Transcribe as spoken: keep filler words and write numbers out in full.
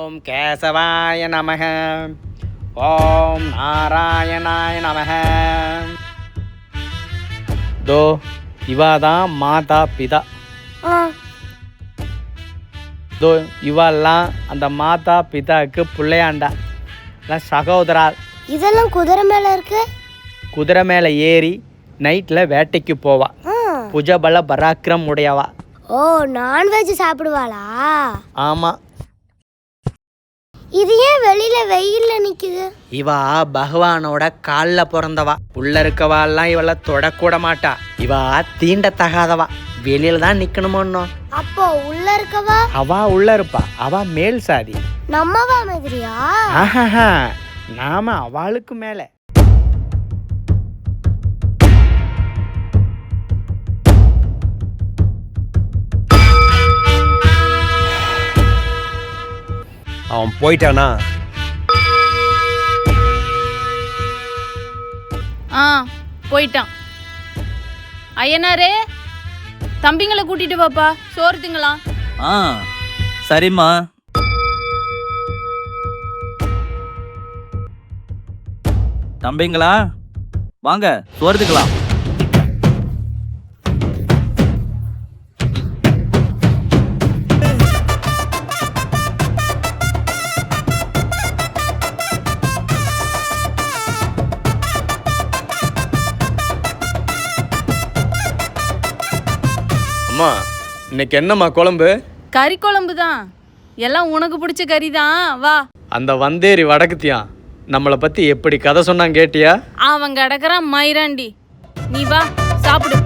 ஓம் கேசவாய நமக. ஓம் நாராயணாய நமக. தோ இவாதான் மாதா பிதா. தோ இவெல்லாம் அந்த மாதா பிதாவுக்கு பிள்ளையாண்டா சகோதரா. இதெல்லாம் குதிரை மேல இருக்கு. குதிரை மேல ஏறி நைட்ல வேட்டைக்கு போவா. புஜபல பராக்கிரம் உடையவா. ஓ, நான்வெஜ் சாப்பிடுவாளா? ஆமா. இது ஏன் வெளியில வெயில்ல நிக்குது? இவா பகவானோட கால்ல பிறந்தவா. உள்ள இருக்கவாலாம் இவள தொடக்கூட மாட்டா. இவா தீண்டத்தகாதவா. வெளியில தான் நிக்கணுமோ. அப்போ உள்ள இருக்கவா? அவா உள்ள இருப்பா. அவா மேல் சாதி. நம்மவா மாதிரியா? ஆஹா, நாம அவளுக்கு மேல. அவன் போயிட்டானா? ஆ, போயிட்டான். ஐயனாரே, தம்பிங்களை கூட்டிட்டு வாப்பா, சோறு திங்கலாம். ஆ, சரிம்மா. தம்பிங்களா வாங்க, சோறு திங்கலாம். அம்மா, இன்னைக்கு என்னம்மா குழம்பு? கறி குழம்பு தான். எல்லாம் உனக்கு பிடிச்ச கறி தான். வா. அந்த வந்தேரி வடக்குத்தியான் நம்மளை பத்தி எப்படி கதை சொன்னான் கேட்டியா? அவன் கிடக்குறான் மயிராண்டி. நீ வா, சாப்பிடு.